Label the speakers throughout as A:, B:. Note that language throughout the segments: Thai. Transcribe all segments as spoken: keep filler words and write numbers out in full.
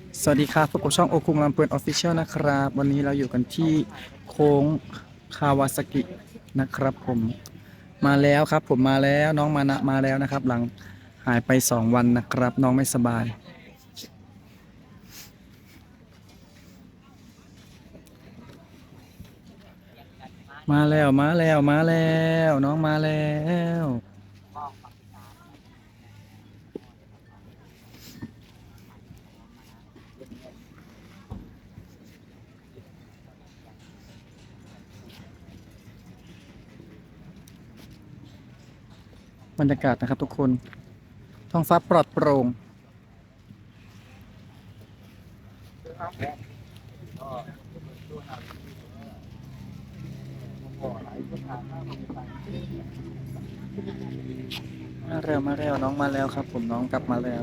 A: สวัสดีครับพบกับช่องโอคุงลำเพลินออฟฟิเชียลนะครับวันนี้เราอยู่กันที่โค้งคาวาซากินะครับผมมาแล้วครับผมมาแล้วน้องมานะมาแล้วนะครับหลังหายไปสองวันนะครับน้องไม่สบายมาแล้วมาแล้วมาแล้วน้องมาแล้วบรรยากาศนะครับทุกคนท้องฟ้าปลอดโปร่งมาแล้วมาแล้วน้องมาแล้วครับผมน้องกลับมาแล้ว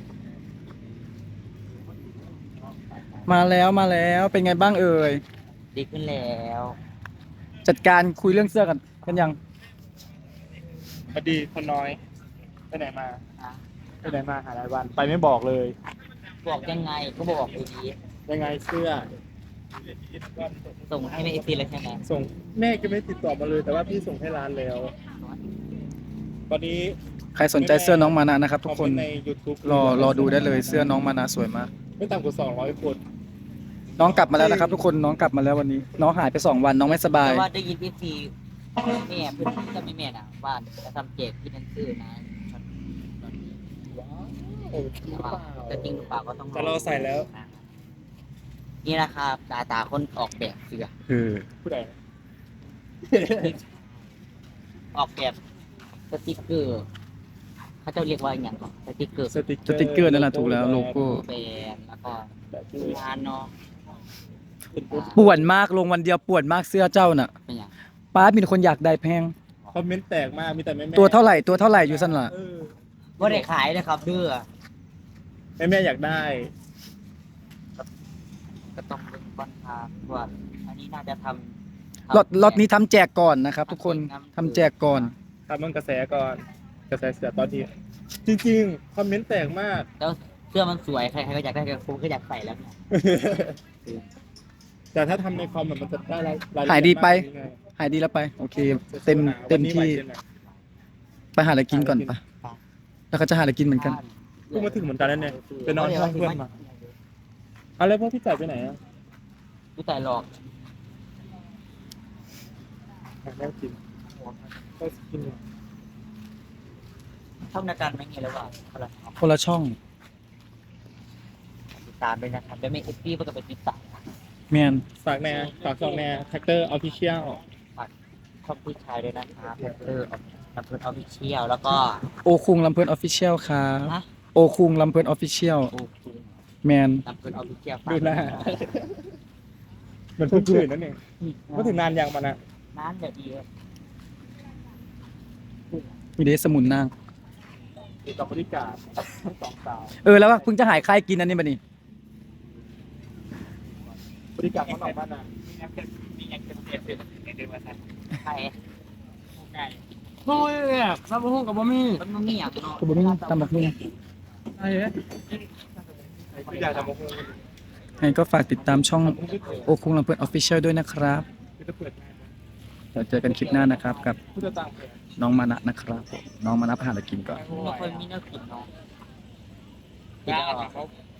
A: มาแล้วมาแล้วเป็นไงบ้างเอ่ย
B: ดีขึ้นแล้ว
A: จัดการคุยเรื่องเสื้อกันกันยัง
C: พอดีคนน้อยไปไหนมา
B: อ่ะ
C: ไปไหนมาหาหลายวันไปไม่บอกเลย
B: บอกยังไงก็บอกดี
C: ยังไงเสื้อ
B: ๆส่งให้แม่เอซีเลยใช่ไหม
C: ส่งแม่ก็ไม่ติดต่อมาเลย แต่ว่าพี่ส่งให้ร้านแล้ว ตอนนี้
A: ใครสนใจเสื้อน้องมานะนะครับ ทุกคน
C: อมเมต์ใน YouTube
A: รอรอดูได้เลยเสื้อน้องมานะสวยมาก
C: ไม่ต่ำกว่าสองร้อยคน
A: น้องกลับมาแล้วนะครับ ทุกคนน้องกลับมาแล้ววันนี้ น้องหายไปสองวันน้องไม่สบาย
B: แต่ว่าได้ยินเอซีแม่เพื่อนจะไม่แม่น่ะว่าจะทำเจกที่นั่นซื้อนะตอนนี้
C: ว้าวโอ้จริงหรือเปล่า
B: จะจริงหรือเปล่าก็ต้อง
C: แต่เราใส่แล้ว
B: นี่นะครับตาตาคนออกแบบเสื้อ
A: เออ
C: ผู้ใด
B: ออกแบบสติกเกอร์เขาจะเรียกว่าอย่างก่อนสติกเกอร์
C: สติกเก
A: ส
C: อร์
A: ติ๊กเกอร์นั่นแหละถูกแล้วโลโก้
B: แบรนด์แล้วก็
C: แบบที่
B: งานเนาะ
C: เป็นปุ๊บ
A: ป่วนมากลงวันเดียวป่วนมากเสื้อเจ้าน่ะ
B: เป็นอย่าง
A: ป้ามีแต่คนอยากได้แพง
C: คอมเมนต์แตกมาก มีแต่แม่แม่
A: ตัวเท่าไหร่ตัวเท่าไหร่อยู่สั่นล่ะ
C: เออ
B: ว่าได้ขายนะครับเด้อ
C: แม่แม่อยากได้
B: ก็ต้องเป็นก่อนครับว่าอันนี้น่าจะทำ
A: ล็อตล็อตนี้ทำแจกก่อนนะครับ ทุกคนทำแจกก่อน
C: ทำมันกระแสก่อน กระแสเสือตอนนี้ จริงๆ คอมเมนต์แตกมาก
B: แล้วเสื้อมันสวยใครๆก็อยากได้ผมก็อยากใส่แล้วเนี่ย
C: แต่ถ้าทำในคอมอะมันจะได้รายละเอี
A: หายดีไป
C: มกกว่านี้ไง
A: หายดีแล้วไปโอเค เต็มเต็มที่ไปหาอะไรกินก่อนปะแล้วก็จะหาอะไรกินเหมือนกัน
C: เพิ่งมาถึงเหมือนกันนั่นเองไปนอนห้องเพื่อนมาเอาแล้วพวกพี่จ่ายไปไหนอ่ะ
B: ผู้แต่หลอก
C: แม่กินก็กินอยู่
B: ช่องนาการไม่เงี้ยแล้วว่าอะไร
A: คนละช่อง
B: ติดตามด้วยนะครับแล้วไม่เอฟซีก็จะไปติดตาม
A: แมน
C: ฝากแน่ฝากช่องแน่แท็กเตอร์ออฟฟิเชียล
B: ช่องผู้ชายด้วยนะครับเออลำพูนออฟฟิเชียลแล้วก็
A: โอคุงลำเพลินออฟฟิเชียลครับ
B: นะ
A: โอคุงลำเพลินออฟฟิเชียล
B: โอเค
A: แมน
B: ลำพูนออฟฟิเชียล
C: ดูหน้าเหมือนเพิ่งตื่นนั่นเองก็ถึงนานยังมันอะ
B: น้ำเดี๋ยวดี
A: มีเดสมุนนาง
C: อยู่กับบริการสองสาว
A: เออแล้วว่าเพิ่งจะหายใครกินอันนี้บัดนี้
C: บริการเขาหน่อยบ้านนะ
B: ใคร
A: โอ้ยซับหูกับบ่มี
B: มันมันไม่อยากเนาะ
A: กับบ่มีตำบักหุ่ง
C: พี่จ่ายทำโมโห
A: ให้ก็ฝากติดตามช่องโอคุงลำเพลินออฟฟิเชียลด้วยนะครับ
C: พี่จะเปิดงาน
A: เดี๋ยวเจอกันคลิปหน้านะครับ กับ
C: ผู้จะต่างแผน
A: น้องมานะนะครับน้องมานะไปหาอะไรกินก่อน
B: ไม่ค่อยมีเนื้อกินเนาะ
C: ยากเขา